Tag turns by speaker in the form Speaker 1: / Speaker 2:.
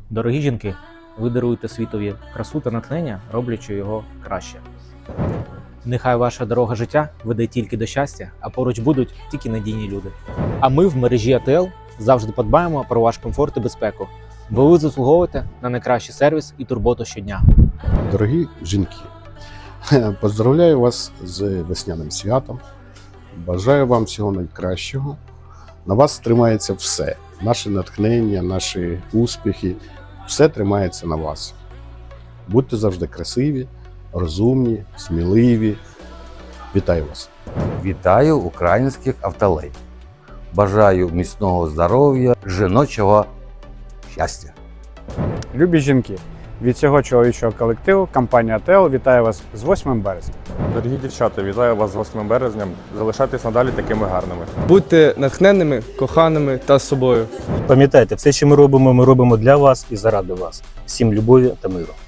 Speaker 1: Дорогі жінки, ви даруєте світові красу та натхнення, роблячи його краще. Нехай ваша дорога життя веде тільки до щастя, а поруч будуть тільки надійні люди. А ми в мережі АТЛ завжди подбаємо про ваш комфорт і безпеку, бо ви заслуговуєте на найкращий сервіс і турботу щодня.
Speaker 2: Дорогі жінки, поздравляю вас з весняним святом. Бажаю вам всього найкращого. На вас тримається все. Наше натхнення, наші успіхи. Все тримається на вас. Будьте завжди красиві, розумні, сміливі. Вітаю вас!
Speaker 3: Вітаю українських автолей. Бажаю міцного здоров'я, жіночого щастя.
Speaker 4: Любі жінки, від цього чоловічого колективу компанія АТЛ вітає вас з 8 березня.
Speaker 5: Дорогі дівчата, вітаю вас з 8 березня. Залишайтесь надалі такими гарними.
Speaker 6: Будьте натхненними, коханими та собою.
Speaker 7: Пам'ятайте, все, що ми робимо для вас і заради вас. Всім любові та миру.